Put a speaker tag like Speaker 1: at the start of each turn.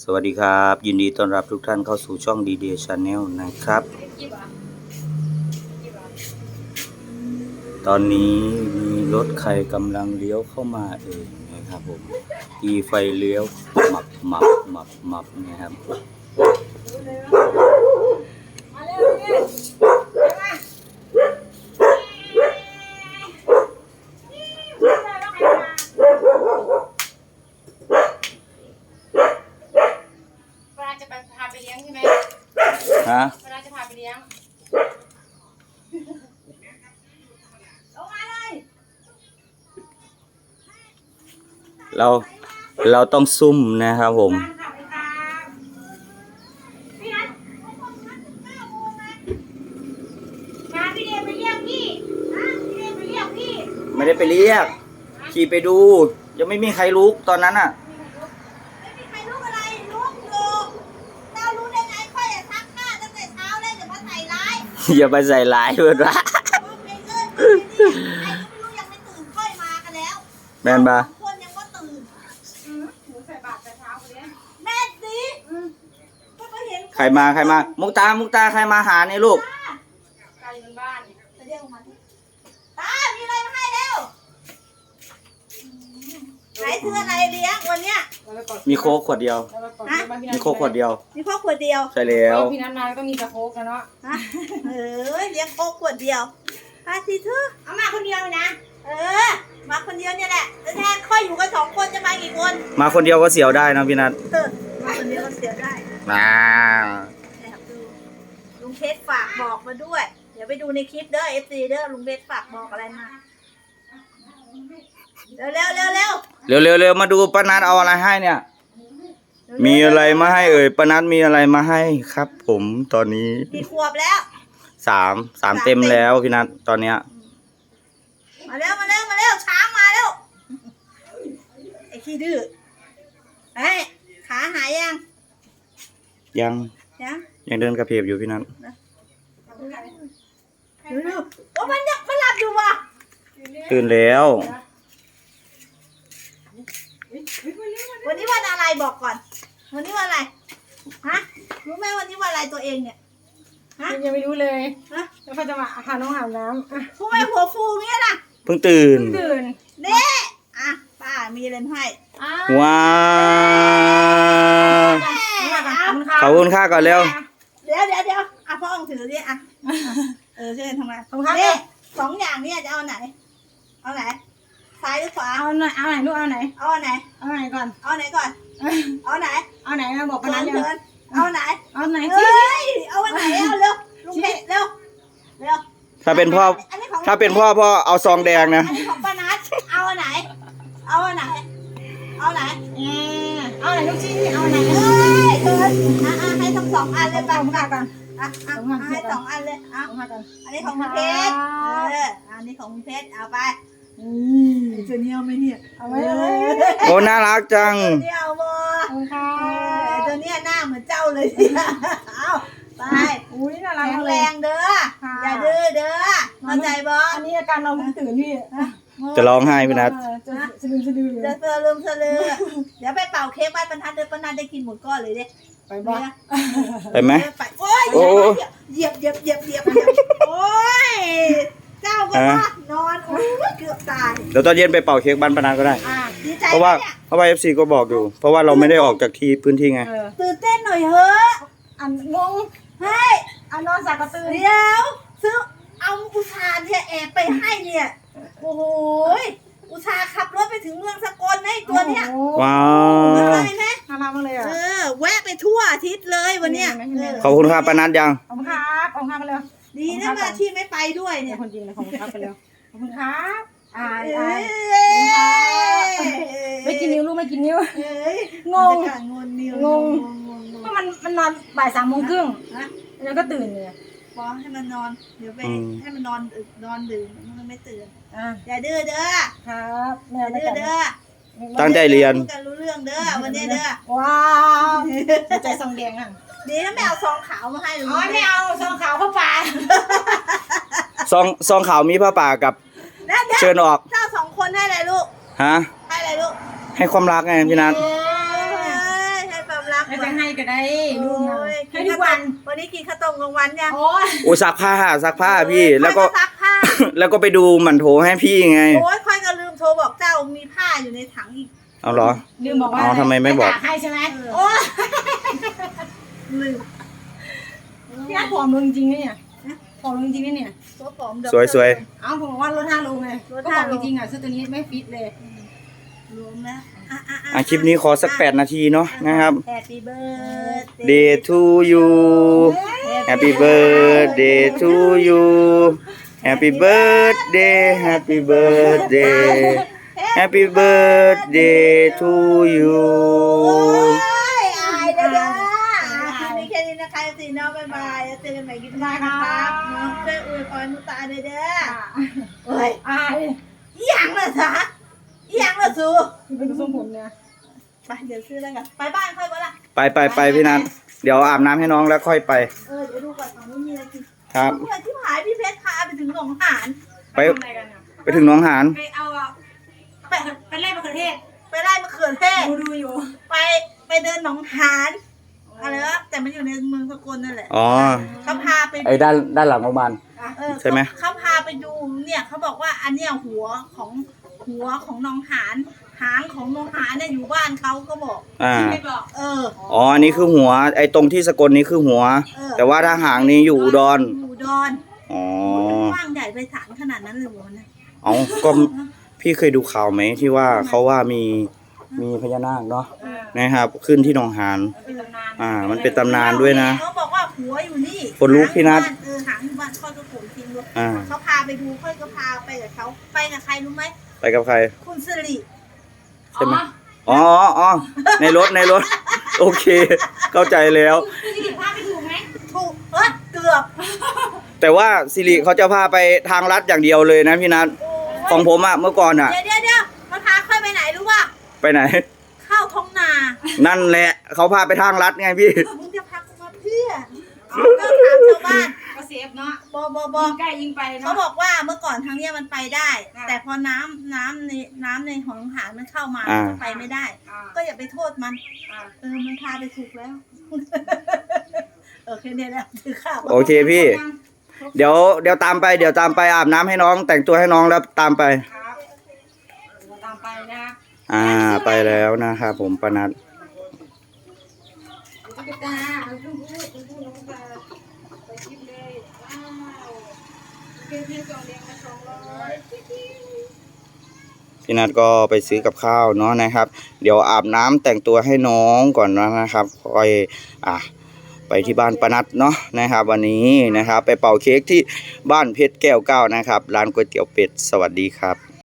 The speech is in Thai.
Speaker 1: สวัสดีครับยินดีต้อนรับทุกท่านเข้าสู่ช่องดีเดย์ชาแนลนะครับตอนนี้มีรถใครกำลังเลี้ยวเข้ามาเองนะครับผมอีไฟเลี้ยวหมับนะครับฮะ
Speaker 2: เวลาจะพาไปเลี้ยงลงมาเลย
Speaker 1: เราต้องซุ่มนะครับผม
Speaker 2: พี่เดชไปเรียกพี่พี่เดชไปเรียกพี่
Speaker 1: ไม่ได้ไปเรียกขี่ไปดูยังไม่มีใครลุกตอนนั้นอ่ะ
Speaker 2: ไม่มีใครลุกอะไรลุกอยู่เจ้ารู้ได้ไงค่อยจะซักผ้าตั้งแต่เช้าเลยจะมาใส่ร้าย
Speaker 1: อย่าไปใส่ร้ายเพื่อนวะ
Speaker 2: ยังไม่ตื่นค่อยมากันแล้ว
Speaker 1: แม่นปะ
Speaker 2: คนยังก็ตื่นหนูใส่บาตรแต่เช้าเลยแม่สิก็เห็น
Speaker 1: ใครมามุกตาใครมาหาเนี่ยลูก
Speaker 2: ตาอยู่บ้านจะเรียกมาตามีอะไรมาให้เร็วไหนซื้ออะไรเลี้ยงวันเนี้ย
Speaker 1: มีโค้กขวดเดียวมีโค้กขวดเดียว
Speaker 2: มีโค้กขวดเดียว
Speaker 1: ใช่แล้ว
Speaker 3: พี่นัทมาแล้วก็มีแต่โค้กกันเนาะ
Speaker 2: เลี้ยงโค้กขวดเดียวสิเธอเอามาคนเดียวนะมาคนเดียวเนี่ยแหละแล้วแท้ค่อยอยู่กัน2 คนจะมากี่คน
Speaker 1: มาคนเดียวก็เสียวได้นะพี่นัท
Speaker 2: มาคนเดียวก็เสียวได้ดูลุงเพชรฝากบอกมาด้วยเดี๋ยวไปดูในคลิปเด้อ FC เด้อลุงเพชรฝากบอกอะไรมาเร็ว
Speaker 1: มาดูป้านัทเอาอะไรให้เนี่ยมีอะไรมาให้ป้านัทมีอะไรมาให้ครับผมตอนนี้
Speaker 2: กี่ขวบแล้ว
Speaker 1: 3เต็มแล้วพี่นัทตอนเนี้ย
Speaker 2: มาเร็วช้างมาเร็วไอ้ขี้ดื้อขาหาย
Speaker 1: ยังเดินกระเพกอยู่พี่นัท
Speaker 2: โอ้มันหลับอยู่ว่ะ
Speaker 1: ตื่นแล้ว
Speaker 2: วันนี้วันอะไรบอกก่อนวันนี้วันอะไรรู้ไหมวันนี้วันอะไรตัวเองเนี่ย
Speaker 3: ยังไม่รู้เลยแล้วเขาจะมาหาน้องอาบน้
Speaker 2: ำทำไมหัวฟูเนี่ยล่ะ
Speaker 1: เพิ่งตื่น
Speaker 2: เด้ป้ามีอะไรให้
Speaker 1: ว้าวขอบคุณค่าก่อนเร็ว
Speaker 2: เดี๋ยวพ่อองถือดิเช่วยทำไมเนี่ย2 อย่างเนี่ยจะเอาไหนซ้ายหรือขวา
Speaker 3: เอาไหนลูกเอาไหนก่อน
Speaker 2: เอาไหน
Speaker 3: มาบอกกันนะ
Speaker 2: เอาไหน
Speaker 3: สิ
Speaker 2: เอาไหนเอาเร็วลุงเพชรเร็ว
Speaker 1: ถ้าเป็นพ่อเอาซองแดงนะ
Speaker 2: อันนี้ของป้านัทเอาไหน
Speaker 3: ลูกชิ้นเอาไหน
Speaker 2: ให้ทั้ง2 อันเลย
Speaker 3: ป้าก่อน
Speaker 2: ให้2 อันเลยอันนี้ของเพชรอันนี้ของเพชรเอาไปจะเนี่ยไม่เนี่ยเอาไว้
Speaker 1: โอ้น่ารักจัง
Speaker 2: เนี่ยเอาบ่ตัวเนี้ยหน้าเหมือนเจ้าเลยเอาไป
Speaker 3: อุ้ยน่ารัก
Speaker 2: แรงเด้ออย่าดื้อเด้อเข้าใจบ่
Speaker 3: อันนี้อาการเราตื่นพี่
Speaker 1: จะร้องไห้พี่นัท
Speaker 3: จะสะดือ
Speaker 2: จะเดี๋ยวไปเป่าเค้กบ้านบรรทัดเด้อป้านัทได้กินหมดก้อนเลยเด้
Speaker 1: ไปไหม
Speaker 2: โอ้ยเหยียบโอ้ยเจ้าก็นอนเกือบตาย
Speaker 1: เดี๋ยวตอนเย็นไปเป่าเค้กบ้านปนัดก็ได้เพราะว่า FC ก็บอกอยู่เพราะว่าเราไม่ได้ออกจากที่พื้นที่ไง
Speaker 2: ตื่นเต้นหน่อยเฮ้
Speaker 3: งงนอนสักกระตือ
Speaker 2: เดี๋ยวซื้อเอาอุชาเนี่ยแอบไปให้เนี่ยโอ้โหอุชาขับรถไปถึงเมืองสกลให้ตัวเนี้ย
Speaker 1: ว้าว
Speaker 2: ได้ไหม
Speaker 3: น่ารักมากเลย
Speaker 2: แวะไปทั่วอาทิตย์เลยวันเนี้ย
Speaker 1: ขอบคุณครับปนัดยัง
Speaker 3: ขอบคุณครับไปเลย
Speaker 2: ดีนะมาที่ไม่ไปด้วยเนี่ย
Speaker 3: คนจริงเลยขอบคุณครับไปเลยขอบคุณครับไม่กินนิ้วลูกไม่กินนิ้วงงเพราะมันนอนบ่าย3 โมงครึ่งแล้วก็ตื่นเลย
Speaker 2: บอกให้มันนอนเดี๋ยวไปให้มันนอนดื่มมันไม่ตื่นอย่าดื้อเด้อ
Speaker 3: ครับ
Speaker 2: อย่าดื้อเด้อ
Speaker 1: ตั้งใจเรียน
Speaker 2: กันรู้เรื่องเด้อวันนี้เด้อ
Speaker 3: ว้าวใจซองแดง
Speaker 2: ดีนะไม่เอาซองขาวมาให้หรือ
Speaker 3: ไม่เอาซองขาวผ้าป่า
Speaker 1: ซองขาวมีผ้าป่ากับเชิญออก
Speaker 2: เจ้า2 คนให้อะไรลูกให้อะไรลูก
Speaker 1: ให้ความรักไงพี่นัท
Speaker 2: ให้ความรัก
Speaker 3: ไม่จะให้ก็ได้ลูกนะ
Speaker 2: โอ้ย
Speaker 3: ให้ทุกวัน
Speaker 2: วันนี้กินข้าวต้มกลางวันยัง
Speaker 3: โอ้ย
Speaker 1: โอ้ซักผ้าพี่แล้วก็
Speaker 2: ซักผ้า
Speaker 1: แล้วก็ไปดูหมันโถให้พี่ไง
Speaker 2: โอ้ยค่อยก็ลืมโทรบอกเจ้ามีผ้าอยู่ในถังอีก
Speaker 1: เอาเหรอ
Speaker 3: ลืมบอกว่า
Speaker 1: อ๋อทำไมไม่บอก
Speaker 3: ตากให้ใช่ไหม
Speaker 2: เออ
Speaker 3: โอ้ย
Speaker 2: ลืม
Speaker 3: พี่อาผอมลงจริงเนี่ยผอมลงจริงเนี่ย
Speaker 2: ตัวผอมดอก
Speaker 1: สวย
Speaker 3: เอ้าผมบอกว่าลด5 โลไง
Speaker 2: ลด
Speaker 3: ก็
Speaker 2: 5
Speaker 3: ผอมจริงๆอ่ะซื้อตัวนี้ไม่ฟิตเลย
Speaker 2: รวมแล้ว
Speaker 1: คลิปนี้ขอสัก8 นาทีเนาะนะครับ
Speaker 2: Happy birthday
Speaker 1: Day to you Happy birthday to you Happy birthday Happy birthday Happy birthday to you
Speaker 2: โอ้ยอายเด้อคลิปนี้แค่นี้นะคะสิน้องบ๊ายบายแล้วเจอกันใหม่คลิปหน้านะครับน้องช่วยอวยพรนุตาเด้อโอ้ย
Speaker 3: อาย
Speaker 2: อีหยังล่ะจ๊ะอีหยังล่ะซู
Speaker 3: เป็นทรงผมเนี่ย
Speaker 2: ไปเดี๋ยวซื้ออะไรกันไปบ้านค่อยวะล่ะ
Speaker 1: ไปพี่นัทเดี๋ยวอาบน้ำให้น้องแล้วค่อยไป
Speaker 2: เดี๋ยวดูก่อนของไม่มีอะไรกิน
Speaker 1: ครับ
Speaker 2: เพื่อนที่หายพี่เพชรพาไปถึงหนองหาน
Speaker 1: ไป
Speaker 3: ทำอะไรกันอ่ะ
Speaker 1: ไปถึงหน้องหาน
Speaker 3: ไปเอาไปไล่มะเขือเทศ
Speaker 2: ไปไล่มะเขือเทศ
Speaker 3: ดูอยู่
Speaker 2: ไปเดินหนองหานอะไรวะแต่มันอยู่ในเมืองสกลนั่นแหละ
Speaker 1: อ๋อ
Speaker 2: เขาพาไป
Speaker 1: ไอ้ด้านหลังโรงพยาบาล ใช่ไหม
Speaker 2: เขาพาไปดูเนี่ยเขาบอกว่าอันเนี้ยหัวของหนองหานหางของหนองหานเนี่ยอยู่บ้านเขาก็บอก
Speaker 3: ไม่บอก
Speaker 1: อ๋ออันนี้คือหัว ไอ้ตรงที่สกลนี้คือหัว แต่ว่าถ้าหางนี้อยู่อุดร
Speaker 2: อยู่อุดร
Speaker 1: อ๋อ
Speaker 2: กว้างใหญ่ไปสานขนาดนั้นเลยหัวนะ
Speaker 1: เอาก็พี่เคยดูข่าวไหมที่ว่าเขาว่ามีพญานาคเนาะนะครับ ขึ้นที่หนองหาน
Speaker 3: เป็นตำนาน
Speaker 1: มันเป็นตำนานด้วยนะ
Speaker 2: เขาบอกว่าหัวอยู่นี่
Speaker 1: คนลุกพี่นัท
Speaker 2: หางอยู่บ้านค่อยก็โผล่ทิ้งด้วย
Speaker 1: อ่า
Speaker 2: เขาพาไปดูค่อยก็พาไปกับเขาไปกับใครรู้ไหม
Speaker 1: ไปกับใคร
Speaker 2: คุณสิริ
Speaker 1: ใช่ไหมอ๋อในรถโอเค เข้าใจแล้ว
Speaker 3: พี่สิริพาไปถูกไหม
Speaker 2: ถูกเกือบ
Speaker 1: แต่ว่าสิริเขาจะพาไปทางลัดอย่างเดียวเลยนะพี่นัท
Speaker 2: โอ้ย
Speaker 1: ของผมอะเมื่อก่อนอะ
Speaker 2: เดี๋ยวมันพาค่อยไปไหนรู้ป่ะ
Speaker 1: ไปไหน
Speaker 2: เข้าท้องนา
Speaker 1: นั่นแหละเขาพาไปทางลัดไงพี่
Speaker 2: มึงจะพากูมาเพื่อก็ถามชาวบ้าน
Speaker 3: ก็เซฟเนาะ
Speaker 2: บ
Speaker 3: ยิงใกล้ยิงไป
Speaker 2: เขา
Speaker 3: เนาะ
Speaker 2: บอกว่าเมื่อก่อนทางเนี้ยมันไปได้
Speaker 3: อ่า
Speaker 2: แต่พอน้ำในหองหานมันเข้ามา
Speaker 1: อ่า
Speaker 2: มันไปไม่ได้ ก็อย่าไปโทษมัน มันพาไปถูกแล้ว โอเคเนี่ยแหละถือข้าว
Speaker 1: โอเคพี่ เดี๋ยวตามไปอาบน้ำให้น้องแต่งตัวให้น้องแล้วตามไป
Speaker 3: ครับเราตามไปนะ
Speaker 1: ไปแล้วนะครับผมปนัด
Speaker 3: ตุ๊กตาเอาชมพู่น้องตาไปคิดเลยว้าวเพียง2 เดือนละ200
Speaker 1: พี่นัทก็ไปซื้อกับข้าวเนาะนะครับ เดี๋ยวอาบน้ำแต่งตัวให้น้องก่อนนะครับค่อยไปที่บ้านปนัดเนาะนะครับ วันนี้นะครับ ไปเป่าเค้กที่บ้านเพชรแก้ว9นะครับร้านก๋วยเตี๋ยวเป็ดสวัสดีครับ